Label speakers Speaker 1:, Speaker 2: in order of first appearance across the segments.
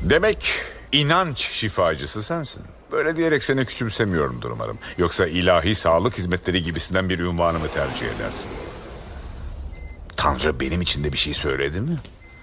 Speaker 1: Demek inanç şifacısı sensin. Böyle diyerek seni küçümsemiyorumdur umarım. Yoksa ilahi sağlık hizmetleri gibisinden bir unvanı mı tercih edersin? Tanrı benim için de bir şey söyledi mi?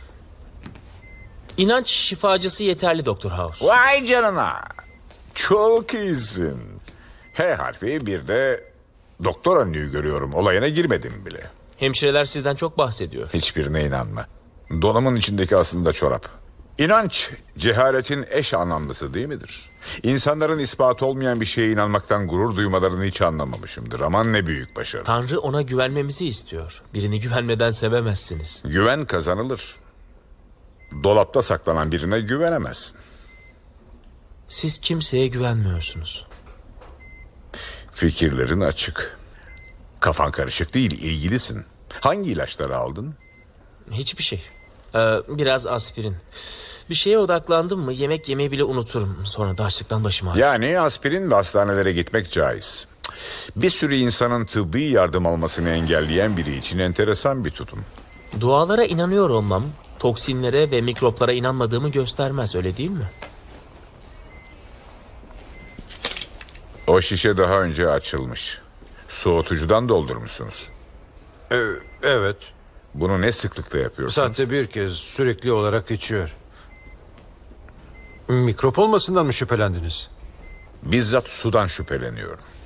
Speaker 2: İnanç şifacısı yeterli Doktor House.
Speaker 1: Vay canına. Çok iyisin. H harfi, bir de doktor önlüğü görüyorum. Olayına girmedim bile.
Speaker 2: Hemşireler sizden çok bahsediyor.
Speaker 1: Hiçbirine inanma. Donumun içindeki aslında çorap. İnanç, cehaletin eş anlamlısı değil midir? İnsanların ispatı olmayan bir şeye inanmaktan gurur duymalarını hiç anlamamışımdır. Aman ne büyük başarı.
Speaker 2: Tanrı ona güvenmemizi istiyor. Birini güvenmeden sevemezsiniz.
Speaker 1: Güven kazanılır. Dolapta saklanan birine güvenemezsin.
Speaker 2: Siz kimseye güvenmiyorsunuz.
Speaker 1: Fikirlerin açık. Kafan karışık değil, ilgilisin. Hangi ilaçları aldın?
Speaker 2: Hiçbir şey. Biraz aspirin. Bir şeye odaklandım mı yemek yemeyi bile unuturum. Sonra da açlıktan başım ağrır.
Speaker 1: Yani aspirin ve hastanelere gitmek caiz. Bir sürü insanın tıbbi yardım almasını engelleyen biri için enteresan bir tutum.
Speaker 2: Dualara inanıyor olmam, toksinlere ve mikroplara inanmadığımı göstermez, öyle değil mi?
Speaker 1: O şişe daha önce açılmış. Soğutucudan doldurmuşsunuz.
Speaker 3: Evet.
Speaker 1: Bunu ne sıklıkla yapıyorsunuz?
Speaker 3: Saatte bir kez sürekli olarak içiyor. Mikrop olmasından mı şüphelendiniz?
Speaker 1: Bizzat sudan şüpheleniyorum.